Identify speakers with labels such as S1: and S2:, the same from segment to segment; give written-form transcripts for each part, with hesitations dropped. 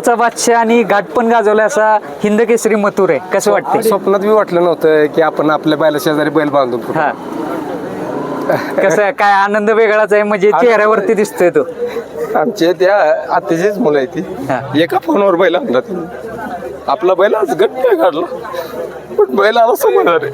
S1: बिनजोडचा बादशाह आणि घाट पण गाजवला असा हिंद केसरी मथुर आहे, कसं वाटतं?
S2: स्वप्नात बी वाटलं नव्हतं की आपण आपल्या बैला शेजारी बैल बांधून फिरू.
S1: हा कसं काय आनंद वेगळाच आहे, म्हणजे चेहऱ्यावरती दिसतोय तो.
S2: आमचे त्या आत्याचीच मुलं आहे
S1: हा.
S2: ती एका फोनवर बैल आणला त्यांनी. आपला बैल आज गट नाही काढला पण बैल आला समोर रे.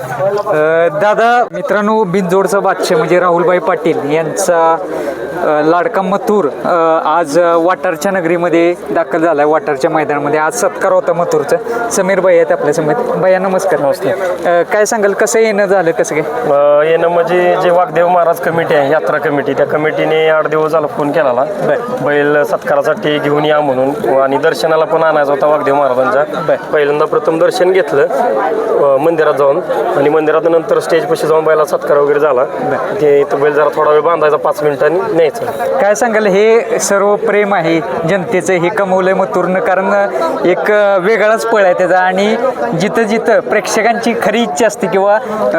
S1: दादा मित्रांनो, बिनजोडचा बादशाह म्हणजे राहुलभाई पाटील यांचा लाडका मथुर आज वाटारच्या नगरीमध्ये दाखल झालाय, वाटारच्या मैदानामध्ये. आज सत्कार होता मथुरचा. समीर भाई आहेत आपल्या समेत. भैया नमस्कार. नमस्कार. काय सांगाल, कसं येणं झालं, कसं काय
S3: येणं म्हणजे जे वाघदेव महाराज कमिटी आहे, यात्रा कमिटी, त्या कमिटीने 8 दिवस झाला फोन केला बैल सत्कारासाठी घेऊन या म्हणून, आणि दर्शनाला पण आणायचा होता वाघदेव महाराजांच्या. पहिल्यांदा प्रथम दर्शन घेतलं मंदिरात जाऊन, आणि मंदिरात नंतर स्टेज पाशी जाऊन बैला सत्कार वगैरे झाला. ते इथं बैल जरा थोडा वेळ बांधायचा, 5 मिनिटांनी न्यायचं.
S1: काय सांगाल, हे सर्व प्रेम आहे जनतेचं, हे कमवलंय मथुरनं, कारण एक वेगळाच पळ आहे त्याचा. आणि जिथं जिथं प्रेक्षकांची खरी इच्छा असते किंवा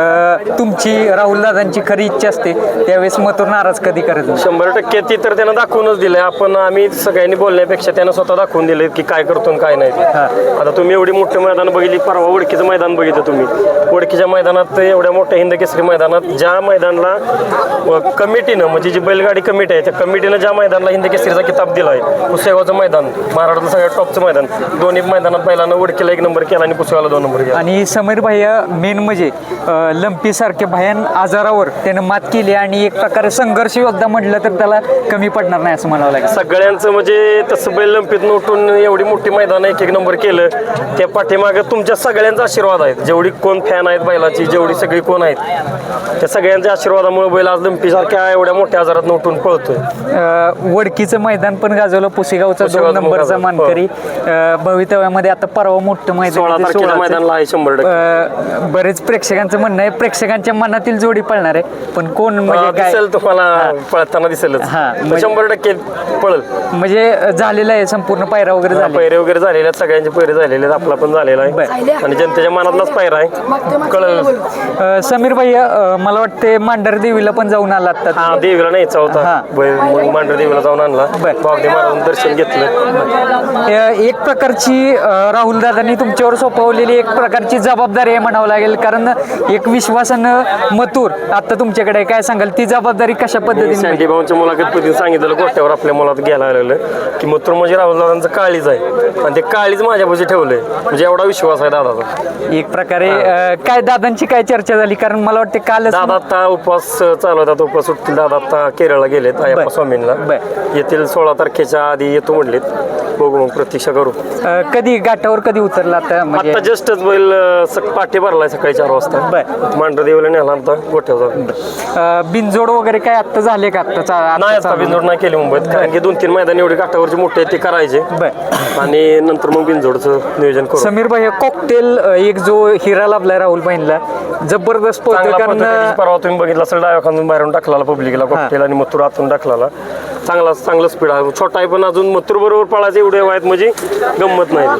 S1: तुमची राहुलदादांची खरी इच्छा असते, त्यावेळेस मथुर नाराज कधी करत नाही.
S3: 100% ती तर त्यानं दाखवूनच दिलंय. आम्ही सगळ्यांनी बोलण्यापेक्षा त्यानं स्वतः दाखवून दिले की काय करतो आणि काय नाही. आता तुम्ही एवढी मोठी मैदान बघितली, परवा ओळखीचं मैदान बघितलं तुम्ही. ओळखीच्या मैदानात, एवढ्या मोठ्या हिंद केसरी मैदानात, ज्या मैदानाला कमिटीनं, म्हणजे जी बैलगाडी कमिटी आहे, त्या कमिटीनं ज्या मैदानाला हिंद केसरीचा किताब दिला आहे, पुसेगावचं मैदान, महाराष्ट्रातलं सगळ्यात टॉपचं मैदान, दोन्ही मैदानात बैलानं ओळखीला 1 नंबर केला आणि पुसेगावला 2 नंबर केला.
S1: आणि समीर भैया मेन म्हणजे लंपी सारखे भयान आजारावर त्यानं मात केली, आणि एक प्रकारे संघर्ष योद्धा म्हटलं तर त्याला कमी पडणार नाही असं म्हणावं लागेल.
S3: सगळ्यांचं म्हणजे तसं बैल लंपीत उठून एवढी मोठी मैदान 1 नंबर केलं, त्या पाठीमागं तुमच्या सगळ्यांचा आशीर्वाद आहे. जेवढी कोण फॅन आहेत बैलाची, जेवढी सगळी कोण आहेत, त्या सगळ्यांच्या आशीर्वादामुळे बैल आज लंपीसारख्या एवढ्या मोठ्या आजारात उठून पळतोय.
S1: वडकीचं मैदान पण गाजवलं, पुसेगावचा 2 नंबरचा मानकरी. भवितव्यामध्ये आता परवा मोठं
S3: 16 तारखेला मैदानला आहे 100%.
S1: बरेच प्रेक्षकांचं म्हणणं आहे, प्रेक्षकांच्या मनातील जोडी पळणार आहे, पण कोण म्हणजे काय
S3: दिसेल तुम्हाला पळताना दिसेलच. 100% पळल,
S1: म्हणजे झालेलं आहे संपूर्ण पायरा वगैरे झाले,
S3: पैरे वगैरे झालेले आहेत, सगळ्यांचे पैरे झालेले आहेत, आपला पण झालेला आहे, आणि जनतेच्या मनातलाच पायरा आहे, कळल.
S1: समीर भैया, मला वाटते मांढर देवीला पण जाऊन आला आता.
S3: हा, देवीला न्यायचा होता, मांढर देवीला जाऊन आणला, वाघदेव महाराजांचं दर्शन घेतलं.
S1: एक प्रकारची राहुलदादांनी तुमच्यावर सोपवलेली एक प्रकारची जबाबदारी आहे म्हणावं लागेल, कारण एक विश्वासानं मथुर आता तुमच्याकडे आहे. काय सांगाल, ती जबाबदारी कशा पद्धतीने?
S3: सँडी भाऊंच्या मुलाखतीत सांगितलं, गोट्यावर आपल्या मुलात घ्यायला आलेलं की मथुर म्हणजे राहुलदादांचं काळीज आहे, आणि ते काळीज माझ्यापाशी ठेवलंय, म्हणजे एवढा विश्वास आहे दादाचा.
S1: एक प्रकारे काय दादांची काय चर्चा झाली, कारण मला वाटते काल
S3: दादा आता उपवास चालू होतात, उपवास सुटतील. दादा आता केरळला गेलेत अय्यप्पा स्वामींना, येतील 16 तारखेच्या आधी येतो म्हणलेत. बघू, मग प्रतीक्षा करू.
S1: कधी घाटावर कधी उतरला आता?
S3: आता जस्टच बैल पाठी भरलाय सकाळी 4 वाजता. मांढर देवीला नेला आता गोठ्यावर.
S1: बिनजोड वगैरे काय आता झाले का?
S3: नाही, आता बिनजोड नाही केली मुंबईत, कारण की 2-3 मैदान एवढी घाटावरची मोठे ते करायचे, आणि नंतर मग बिनजोडचं नियोजन करू.
S1: समीर भाई, कॉकटेल एक जो हिरा लाभलाय राहुल भाईंना, जबरदस्त पळतोय. कारण
S3: परवा तुम्ही बघितलं असेल, डाव्या खांदून बाहेरून टाकला पब्लिकला कॉकटेल, आणि मथुर आतून टाकला. चांगलं स्पीड आहे, छोटा आहे पण अजून मथुर बरोबर पळायचे एवढे आहेत, म्हणजे गंमत नाही.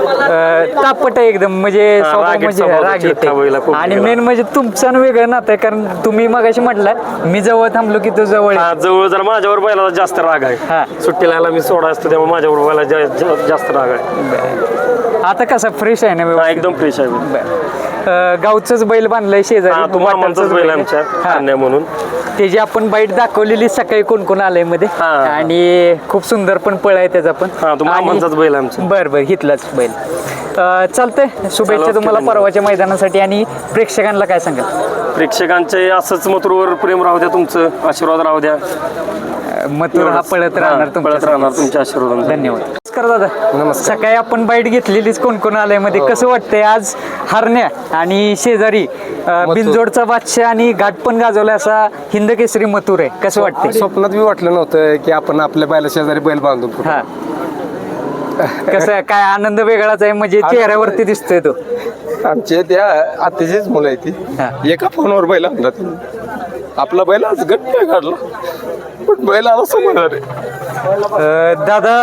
S1: तापट आहे एकदम, म्हणजे राग येते. आणि मेन म्हणजे तुमचं वेगळं नातं आहे, कारण तुम्ही मगाशी म्हटलं मी जवळ थांबलो की तू जवळ.
S3: जवळ जरा माझ्यावर बैलाला जास्त राग आहे, सुट्टीला यायला मी सोडा असतो त्यामुळे माझ्यावर बैला जास्त राग आहे.
S1: आता कसा फ्रेश आहे ना?
S3: एकदम फ्रेश आहे.
S1: गावचंच बैल बांधलंय शेजारी,
S3: मामांचाच बैल आमच्या म्हणून.
S1: त्याची आपण बाईट दाखवलेली सकाळी कोण कोण आलंय मध्ये, आणि खूप सुंदर पण पळ आहे त्याचा पण.
S3: मामांचाच बैल आमचा.
S1: बरं हिथलाच बैल. चालतंय, शुभेच्छा तुम्हाला परवाच्या मैदानासाठी. आणि प्रेक्षकांना काय सांगाल?
S3: प्रेक्षकांचे असंच मथुरवर प्रेम राहू द्या, तुमचं आशीर्वाद राहू द्या.
S1: मथुर हा पळत राहणार
S3: तुमच्या आशीर्वाद.
S1: धन्यवाद. नमस्कार दादा. नमस्कार. सकाळी आपण बाईट घेतलेलीच, कोण कोण आलंय मध्ये, कसं वाटतंय आज हरण्या आणि शेजारी बिनजोडचा बादशाह आणि घाट पण गाजवला असा हिंद केसरी मथुर आहे, कसं वाटतंय?
S2: स्वप्नात बी वाटलं नव्हतं की आपण आपल्या बैला शेजारी बैल बांधून फिरू.
S1: हा कसं काय आनंद वेगळाच आहे, म्हणजे चेहऱ्यावरती दिसतोय तो.
S2: आमचे त्या आत्याचीच मुलं आहे ती एका फोनवर बैल आणला त्यांनी. आपला बैल आज गट नाही काढला पण बैल आला समोर रे.
S1: दादा,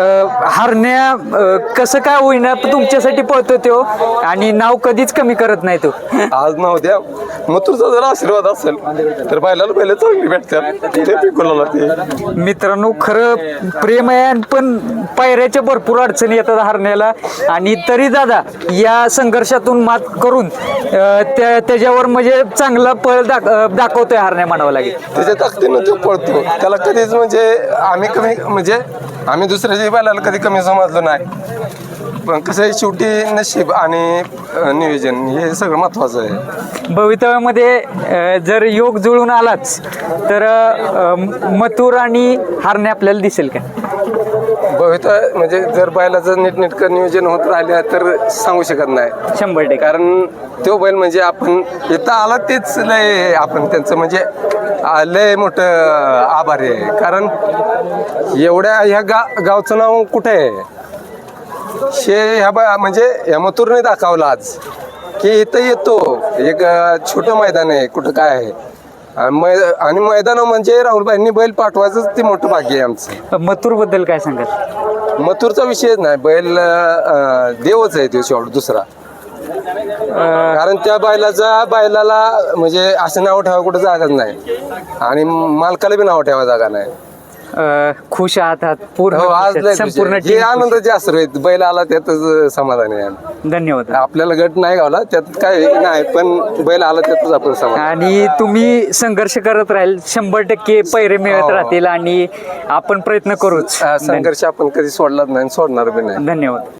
S1: हरण्या कसं काय होईना तुमच्यासाठी पळतो तो, आणि नाव कधीच कमी करत नाही तो.
S2: आज नाव द्या, मथुरचा जर आशीर्वाद असेल तर बैलाला बैल चांगली भेटतात ते पिकवला ते.
S1: मित्रांनो खरं प्रेम आहे पण पायऱ्याच्या भरपूर अडचणी येतात हरण्याला आणि तरी दादा या संघर्षातून मात करून त्याच्यावर म्हणजे चांगला पळ दाखवतोय हरण्या म्हणावं लागेल.
S2: त्याच्या ताकदीनं तो पळतो. त्याला कधीच म्हणजे आम्ही कमी म्हणजे आम्ही दुसऱ्याच्या बैलाला कधी कमी समजलो नाही. पण कसं आहे शेवटी नशीब आणि नियोजन हे सगळं महत्वाचं आहे.
S1: भवितव्यामध्ये जर योग जुळून आलाच तर मथुर आणि हरणे आपल्याला दिसेल का?
S2: भवितव्य म्हणजे जर बैलाचं नीटनेटकं नियोजन होत राहिलं तर सांगू शकत नाही
S1: 100%.
S2: कारण तो बैल म्हणजे आपण इथं आला तेच लय आपण त्यांचं म्हणजे लय मोठं आभारी आहे. कारण एवढ्या ह्या गावचं नाव कुठे आहे ह्या म्हणजे या मथुरने दाखवलं आज की इथं येतो एक छोटं मैदान आहे कुठं काय आहे आणि मैदान म्हणजे राहुलबाईंनी बैल पाठवायचं ते मोठं भाग्य आहे आमचं.
S1: मथुर बद्दल काय सांगाल?
S2: मथुरचा विषयच नाही. बैल देवच आहे तो शेवट दुसरा. कारण त्या बैलाला म्हणजे असं नाव ठेवा कुठं जागाच नाही आणि मालकाला बी नाव ठेवा जागा नाही.
S1: खुश आहात पूर्ण
S2: हो आज लय
S1: संपूर्ण
S2: खुश आहे. हे आनंदाचे असर आहेत. बैल आला त्यातच समाधान आहे.
S1: धन्यवाद.
S2: आपल्याला गट नाही गावला त्यात काय नाही पण बैल आला त्यातच आपण समाधान.
S1: आणि तुम्ही संघर्ष करत राहील 100% पैरे मिळत राहतील आणि आपण प्रयत्न करूच.
S2: संघर्ष आपण कधी सोडलाच नाही सोडणार बी नाही.
S1: धन्यवाद.